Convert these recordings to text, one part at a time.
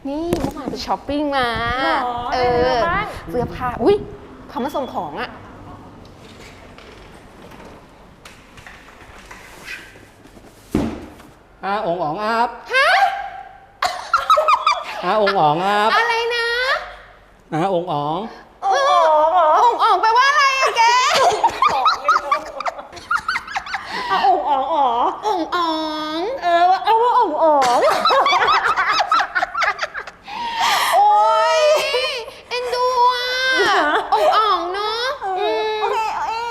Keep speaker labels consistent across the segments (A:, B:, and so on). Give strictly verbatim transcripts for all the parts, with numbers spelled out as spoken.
A: นี่เมื่อวานไปช้อปปิ้งมาเออเสื้อผ้าอุ้ยเขามาส่งของอะ
B: อาองอ๋องอับฮะอาองอ๋องอับ
A: อะไรนะ
B: อาองอ๋อง
A: องอ๋องอ๋องแปลว่าอะไรอะแก
C: เอาองอ๋องอ๋อ
A: องอ๋อง
C: เออเอาว่าองอ๋อง
A: โอ้ยเอ็นดูอ่ะองอ๋องเนาะ
C: โอเคโอเค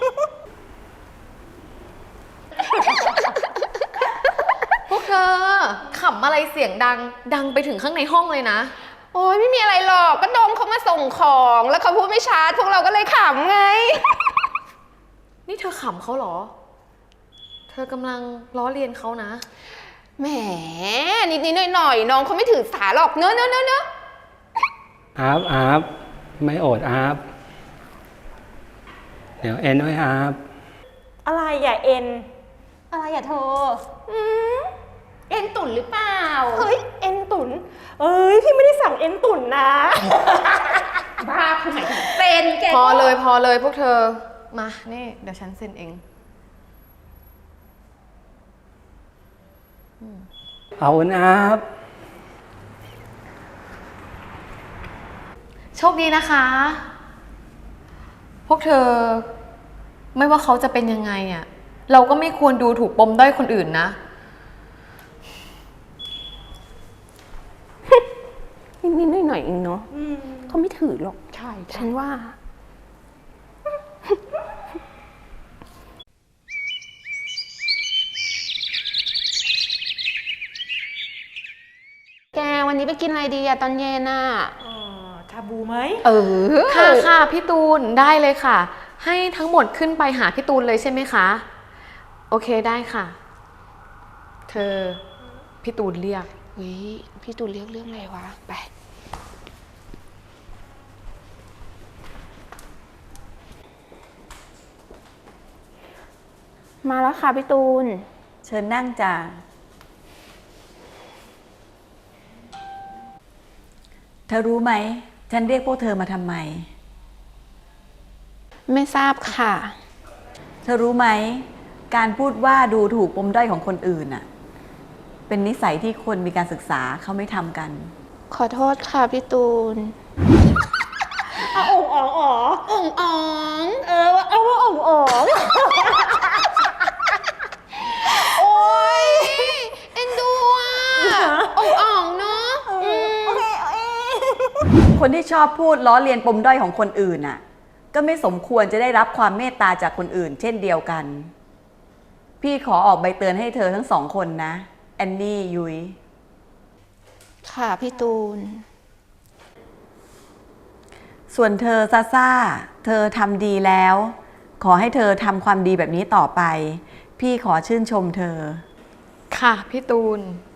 D: พวกเธอขำอะไรเสียงดังดังไปถึงข้างในห้องเลยนะ
A: โอ้ยไม่มีอะไรหรอกก็ดมเขามาส่งของแล้วเขาพูดไม่ชัดพวกเราก็เลยขำไง
D: นี่เธอขำเขาเหรอเธอกำลังล้อเลียนเขานะ
A: แหมนิดนิดหน่อยหน่อยน้องเขาไม่ถือสาหรอกเนอะเนอะเนอะเนอะ
B: อับอับไม่โอดอับเดี๋ยวเอ็นด้วยอับ
C: อะไรอย่าเอ็น
A: อะไรอย่าเธออืมเอ็นตุ่นหรือเปล่า
C: เฮ้ยเอ็นตุ่นเอ้ยพี่ไม่ได้สั่งเอ็นตุ่นนะ
A: บ้าคือหมายถึงเป็นแก
D: พอเลยพอเลยพวกเธอมานี่เดี๋ยวฉันเซ็นเอง
B: เอาอับ
D: โชคดีนะคะพวกเธอไม่ว่าเขาจะเป็นยังไงอ่ะเราก็ไม่ควรดูถูกปมด้อยคนอื่นนะ
A: นิดๆหน่อยๆเองเนาะเขาไม่ถือหรอกใช่ฉันว่าแกวันนี้ไปกินอะไรดีอะตอนเย็นอะ
C: ชาบูไหม
A: เออ
D: ค่ะค่ะพี่ตูนได้เลยค่ะให้ทั้งหมดขึ้นไปหาพี่ตูนเลยใช่ไหมคะโอเคได้ค่ะเธอพี่ตูนเรียก
A: วิพี่ตูนเรียกเรื่องอะไรวะไปมาแล้วค่ะพี่ตูน
E: เชิญนั่งจ้ะเธอรู้ไหมฉันเรียกพวกเธอมาทำไม
A: ไม่ทราบค่ะ
E: เธอรู้ไหมการพูดว่าดูถูกปมด้อยของคนอื่นน่ะเป็นนิสัยที่คนมีการศึกษาเขาไม่ทำกัน
A: ขอโทษค่ะพี่ตูน
C: เอาองอ๋องอ๋อ
A: องอ๋อง
C: เออเอาว่าองอ๋อง
A: โอ้ยเอ็นดูอ่ะองอ๋องเนาะ
C: โอเคโอเค
E: คนที่ชอบพูดล้อเลียนปมด้อยของคนอื่นน่ะก็ไม่สมควรจะได้รับความเมตตาจากคนอื่นเช่นเดียวกันพี่ขอออกใบเตือนให้เธอทั้งสองคนนะแอนนี่ยุ้ย
A: ค่ะพี่ตูน
E: ส่วนเธอซาซ่าเธอทำดีแล้วขอให้เธอทำความดีแบบนี้ต่อไปพี่ขอชื่นชมเธอ
D: ค่ะพี่ตูน